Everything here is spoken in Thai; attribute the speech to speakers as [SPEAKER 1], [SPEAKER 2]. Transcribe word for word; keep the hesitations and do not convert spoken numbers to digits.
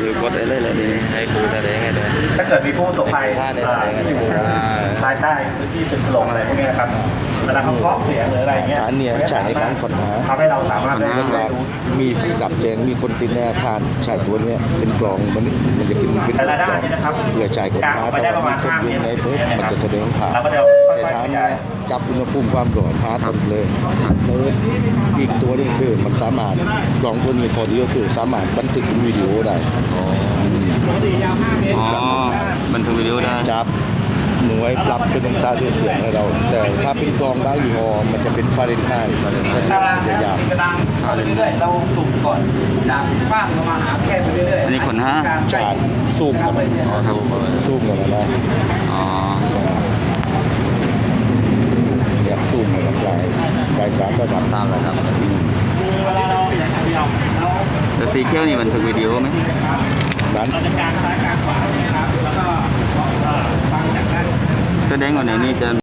[SPEAKER 1] คือกดได้เลยเลยนี่ให้ครูแสดงให้เลย
[SPEAKER 2] ถ้าเกิดมีผู้ประสบภัยที่อยู่ภายใต้พื้นที่เป็นถล่มอะไรพวกนี้นะครับเวลาเขาเคาะเสียงหรืออะไรเงี้ย
[SPEAKER 3] ฐานเนี่ยใช้ในการค้นหา
[SPEAKER 2] ทำให้เราสามารถได้
[SPEAKER 3] เวลา
[SPEAKER 2] รู้
[SPEAKER 3] มีดับแจ้งมีคนติดในอาคารใช้ตัวเนี้ยเป็นกล่องมันมันจะกินเป็น
[SPEAKER 2] แต่
[SPEAKER 3] กล่
[SPEAKER 2] ละด้าน
[SPEAKER 3] อง
[SPEAKER 2] นี่นะครับ
[SPEAKER 3] เพื่อจ่ายกดหาแต่ว่ามีคนอยู่ในเฟซมันจะแสดงผ่าน
[SPEAKER 2] เราก็จะค่
[SPEAKER 3] แต่
[SPEAKER 2] อย
[SPEAKER 3] ฐาน
[SPEAKER 2] ๆข
[SPEAKER 3] เนี้
[SPEAKER 2] ยาย
[SPEAKER 3] ยจับอุณหภูมิความร้อนหาต้นเลยเพิร์ดอีกตัวนึงคือมันสามารถกล่องตัวนี้พอดีก็คือสามารถบันทึกเป็นวิดีโอได้
[SPEAKER 1] อ๋อบันทึกวิดีโอได้
[SPEAKER 3] จับหน่วยปรับเป็นองศาเซลเซียสให้เรา แต่ถ้าเป็นกล่องบางยี่ห้อมันจะเป็นฟาเรนไฮต์มันจะยาก
[SPEAKER 2] กระดังไปเรื่อยๆเราสุ่มก่อนจากบ้านเรามาหาแค่ไปเรื่อย
[SPEAKER 1] อันนี้ขนห้า
[SPEAKER 3] ใช่ซูมกันไป
[SPEAKER 1] อ๋อถูกเลย
[SPEAKER 3] ซูมกันนะ
[SPEAKER 1] อ๋อ
[SPEAKER 3] เนี่ยซูมกันหลายหลายสามระดับ
[SPEAKER 1] ตามเลยครับ
[SPEAKER 2] เวลาเราอยากจะยอมเรา
[SPEAKER 1] แล้วสีเขียวนี่บันทึกวิดีโอไหม
[SPEAKER 3] นั้น
[SPEAKER 2] เราจะกางซ้ายกางขวานะครับแล้วก็ฟังจากด้าน
[SPEAKER 1] แสดงว่าในนี้จะ